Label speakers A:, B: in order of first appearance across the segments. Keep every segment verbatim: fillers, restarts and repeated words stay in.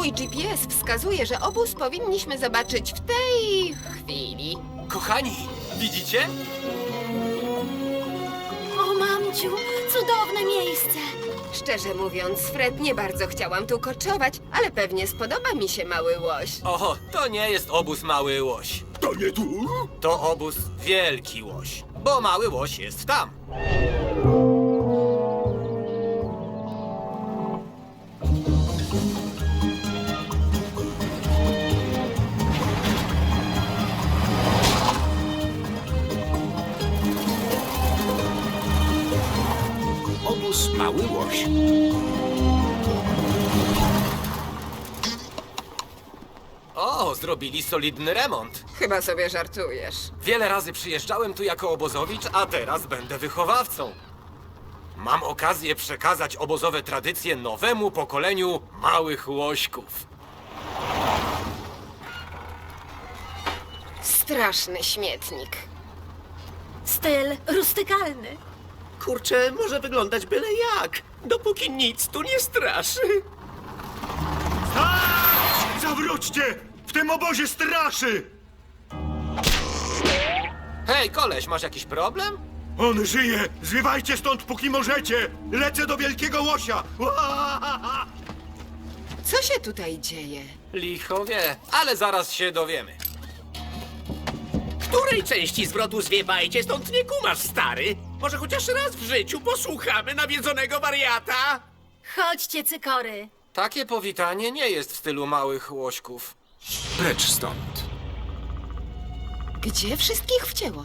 A: Mój G P S wskazuje, że obóz powinniśmy zobaczyć w tej chwili.
B: Kochani, widzicie?
C: O, mamciu, cudowne miejsce.
A: Szczerze mówiąc, Fred, nie bardzo chciałam tu koczować, ale pewnie spodoba mi się mały łoś.
B: Oho, to nie jest obóz Mały Łoś.
D: To nie tu?
B: To obóz Wielki Łoś, bo Mały Łoś jest tam.
D: Obóz Mały Łoś.
B: O, zrobili solidny remont.
A: Chyba sobie żartujesz.
B: Wiele razy przyjeżdżałem tu jako obozowicz, a teraz będę wychowawcą. Mam okazję przekazać obozowe tradycje nowemu pokoleniu małych łośków.
A: Straszny śmietnik.
C: Styl rustykalny.
E: Kurczę, może wyglądać byle jak, dopóki nic tu nie straszy.
D: Zawróćcie! W tym obozie straszy!
B: Hej, koleś, masz jakiś problem?
D: On żyje! Zwiewajcie stąd, póki możecie! Lecę do wielkiego łosia! Ua!
A: Co się tutaj dzieje?
B: Licho wie, ale zaraz się dowiemy.
E: Której części zwrotu zwiewajcie stąd nie kumasz, stary? Może chociaż raz w życiu posłuchamy nawiedzonego wariata?
C: Chodźcie, cykory.
B: Takie powitanie nie jest w stylu małych łośków.
D: Precz stąd.
A: Gdzie wszystkich wcięło?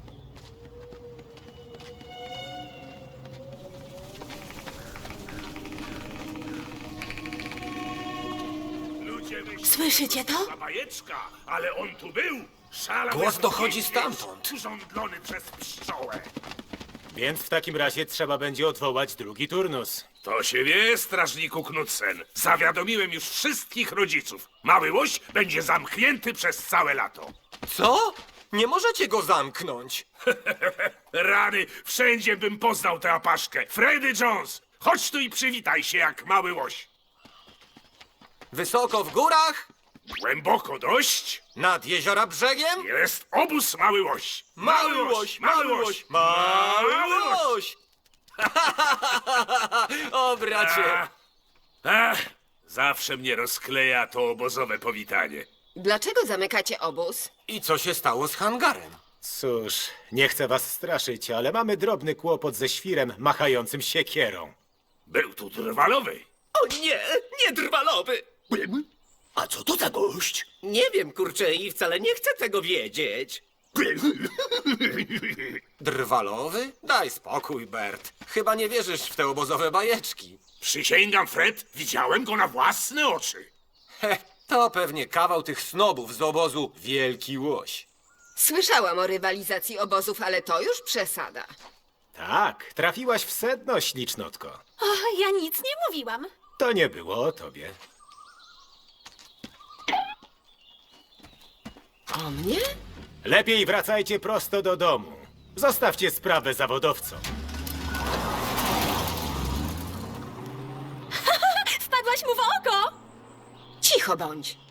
C: Słyszycie to?
F: Bajeczka, ale on tu był! Szalał
B: Głos
F: jak
B: dochodzi
F: niedźwiedź,
B: stamtąd.
F: urządlony przez pszczołę.
G: Więc w takim razie trzeba będzie odwołać drugi turnus.
F: To się wie, strażniku Knudsen. Zawiadomiłem już wszystkich rodziców. Mały łoś będzie zamknięty przez całe lato.
B: Co? Nie możecie go zamknąć.
F: Rany, wszędzie bym poznał tę apaszkę. Freddy Jones, chodź tu i przywitaj się jak mały łoś.
B: Wysoko w górach,
F: Głęboko dość
B: nad jeziora brzegiem.
F: jest obóz mały łoś.
B: Mały łoś, mały łoś, mały łoś! O, bracie!
F: Ach, ach, zawsze mnie rozkleja to obozowe powitanie.
A: Dlaczego zamykacie obóz?
B: I co się stało z hangarem?
G: Cóż, nie chcę was straszyć, ale mamy drobny kłopot ze świrem machającym siekierą.
F: Był tu drwalowy.
E: O nie, nie drwalowy!
D: A co to za gość?
E: Nie wiem, kurczę, i wcale nie chcę tego wiedzieć.
B: Drwalowy? Daj spokój, Bert. Chyba nie wierzysz w te obozowe bajeczki.
F: Przysięgam, Fred, widziałem go na własne oczy.
B: He, to pewnie kawał tych snobów z obozu Wielki Łoś.
A: Słyszałam o rywalizacji obozów, ale to już przesada.
G: Tak, trafiłaś w sedno, ślicznotko.
C: O, ja nic nie mówiłam.
G: To nie było o tobie.
A: O mnie?
G: Lepiej wracajcie prosto do domu. Zostawcie sprawę zawodowcom.
C: Wpadłaś mu w oko!
A: Cicho bądź.